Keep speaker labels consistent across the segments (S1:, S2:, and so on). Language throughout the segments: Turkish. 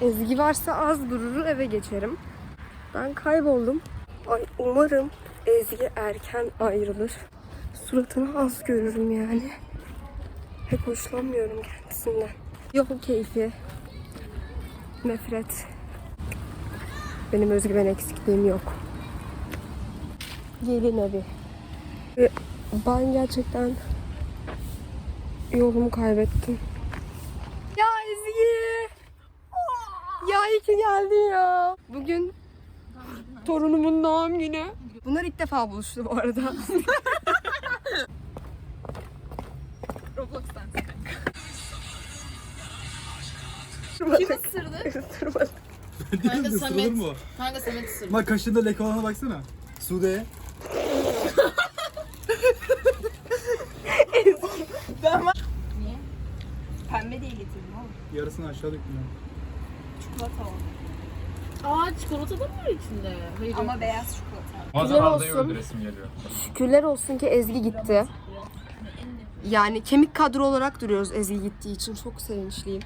S1: Ezgi varsa az durur, eve geçerim. Ben kayboldum. Ay umarım Ezgi erken ayrılır. Suratını az görürüm yani. Pek hoşlanmıyorum kendisinden. Yol keyfi. Nefret. Benim özgüven eksikliğim yok. Gelin evi. Ve ben gerçekten yolumu kaybettim. Ya Ezgi! Ya iyi ki geldin ya. Bugün torunumun doğum günü. Bunlar ilk defa buluştu bu arada.
S2: Roblox'tan.
S1: Kim
S2: ısırdı?
S1: Isırmadı.
S2: Kanka Samet.
S3: mu?
S2: Kanka Samet ısırdı.
S3: Bak kaşında leke olana baksana. Sude'ye.
S2: Niye? Pembe diye getirdim oğlum.
S3: Yarısını aşağı döktüm ben.
S2: Çikolata oldu. Aa çikolata da mı var içinde? Hayır. Ama beyaz çikolata.
S4: Bazen
S1: Güzel
S4: Arda'yı
S1: olsun.
S4: öldüresim geliyor.
S1: Şükürler olsun ki Ezgi gitti. Yani kemik kadro olarak duruyoruz Ezgi gittiği için. Çok sevinçliyim.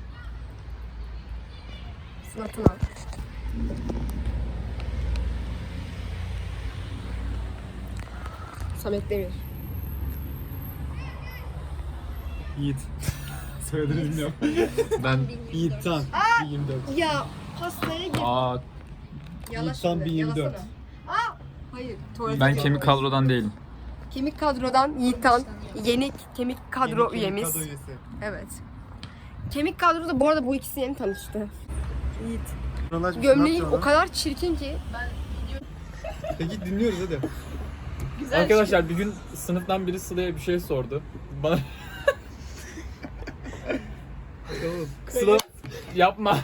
S1: Sıratına. Samet Demir.
S3: Yiğit. Soyadını bilmiyorum.
S4: Ben
S3: Yiğit Tan. 24.
S1: Ya pastaya gir.
S4: aa
S1: Yala
S3: Yiğit Tan
S1: şimdi,
S3: 1024.
S1: yalasana. Aa, hayır. tuvalete
S4: ben
S1: gir.
S4: kemik kadrodan değilim.
S1: Kemik kadrodan Yiğitan, yeni kemik kadro
S3: Yeni
S1: üyemiz.
S3: kadro üyesi.
S1: Evet. Kemik kadroda bu arada bu ikisi yeni tanıştı. Yiğit.
S3: Buralar-
S1: Gömleğin
S3: Ne
S1: o
S3: yapacağız
S1: kadar çirkin ki.
S3: lan? Peki dinliyoruz hadi.
S2: Güzel
S4: Arkadaşlar bir gün sınıftan biri Sıla'ya bir şey sordu. Bana Sıla yapma.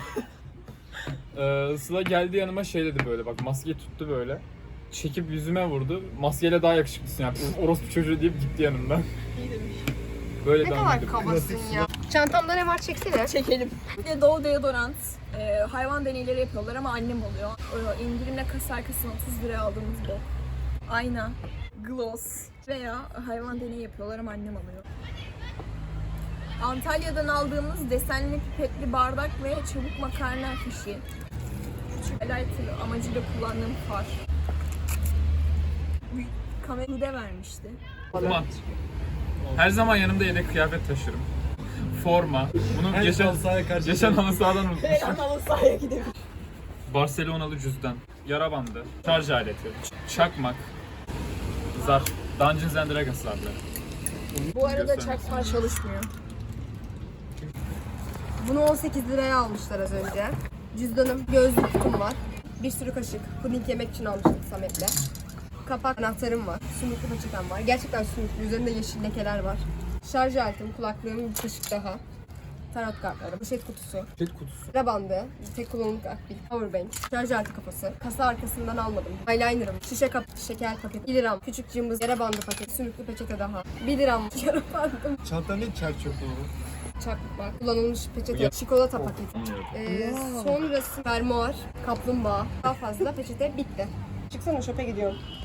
S4: Sıla geldi yanıma şey dedi böyle bak maskeyi tuttu böyle. Çekip yüzüme vurdu. Maskeyle daha yakışıklısın yani. Orospu çocuğu deyip gitti yanımdan. Böyle
S1: Ne
S4: devam
S1: kadar
S4: edip.
S1: kabasın ya. Çantamda ne var çeksene.
S2: Çekelim. Bir de Doğu deodorant. Hayvan deneyleri yapıyorlar ama annem oluyor. İndirimle kasa arkasına 30 liraya aldığımız bu. Ayna, gloss veya hayvan deneyi yapıyorlar ama annem alıyor. Antalya'dan aldığımız desenli pipetli bardak ve çabuk makarna fişi. Küçük lighter amacıyla kullandığım far. Kamerayı de vermişti.
S4: Mat. Her zaman yanımda yedek kıyafet taşırım. Forma. Bunu
S3: Her
S4: geçen
S3: halı sahaya karşı-
S4: halı sahadan unutmuşum.
S2: Halı sahaya gidelim.
S4: Barcelonalı cüzdan, yara bandı, şarj aleti, çakmak, zarf, Dungeons and Dragons zarfları.
S2: Bu arada çakma çalışmıyor.
S1: Bunu 18 liraya almışlar az önce. Cüzdanım, gözlük kutum var. Bir sürü kaşık. Puding yemek için almıştık Samet'le. Kapak anahtarım var. Sümüklü peçetem var. Gerçekten sümüklü. Üzerinde yeşil lekeler var. Şarj aletim, kulaklığım, bir kaşık daha. Tarot kartları, poşet kutusu,
S4: Pet kutusu.
S1: sıra bandı, tek kullanımlık akbil, powerbank, şarj aleti kafası, kasa arkasından almadım, eyelinerım, şişe kap, şeker paketi, 1 liram, küçük cımbız, yara bandı paketi, sümüklü peçete daha, 1 liram, yara bandım,
S3: Çantan ne çer çöp dolu?
S1: çakmak, kullanılmış peçete, çikolata paketi. Sonrası fermuar, kaplumbağa, daha fazla peçete bitti. Çıksana şopa gidiyorum.